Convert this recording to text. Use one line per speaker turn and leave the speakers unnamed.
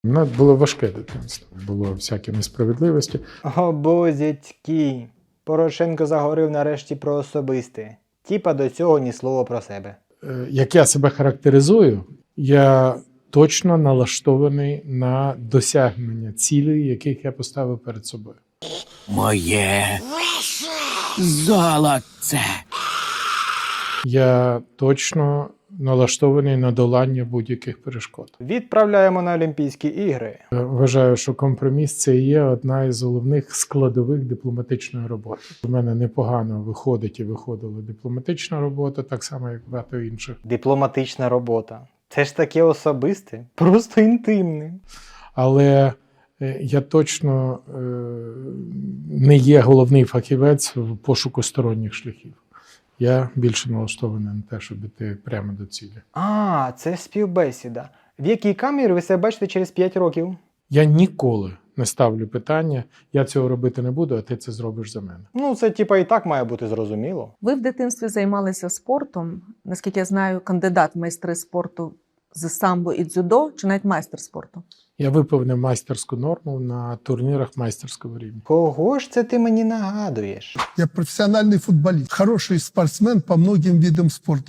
У мене було важке дитинство, було всякі несправедливості.
О, бозятьки. Порошенко заговорив нарешті про особисте. Тіпа до цього ні слова про себе.
Як я себе характеризую, я точно налаштований на досягнення цілей, яких я поставив перед собою.
Моє золоце.
Я точно налаштований на долання будь-яких перешкод.
Відправляємо на Олімпійські ігри.
Вважаю, що компроміс – це і є одна із головних складових дипломатичної роботи. У мене непогано виходить і виходила дипломатична робота, так само, як багато інших.
Дипломатична робота. Це ж таке особисте, просто інтимне.
Але я точно не є головний фахівець в пошуку сторонніх шляхів. Я більше налаштований на те, щоб іти прямо до цілі.
А, це співбесіда. В якій камері ви себе бачите через 5 років?
Я ніколи не ставлю питання, я цього робити не буду, а ти це зробиш за мене.
Ну, це типа і так має бути зрозуміло.
Ви в дитинстві займалися спортом. Наскільки я знаю, кандидат в майстри спорту з самбо і дзюдо, чи навіть майстер спорту?
Я виповнив майстерську норму на турнірах майстерського рівня.
Кого ж це ти мені нагадуєш?
Я профессиональный футболист, хороший спортсмен по многим видам спорта.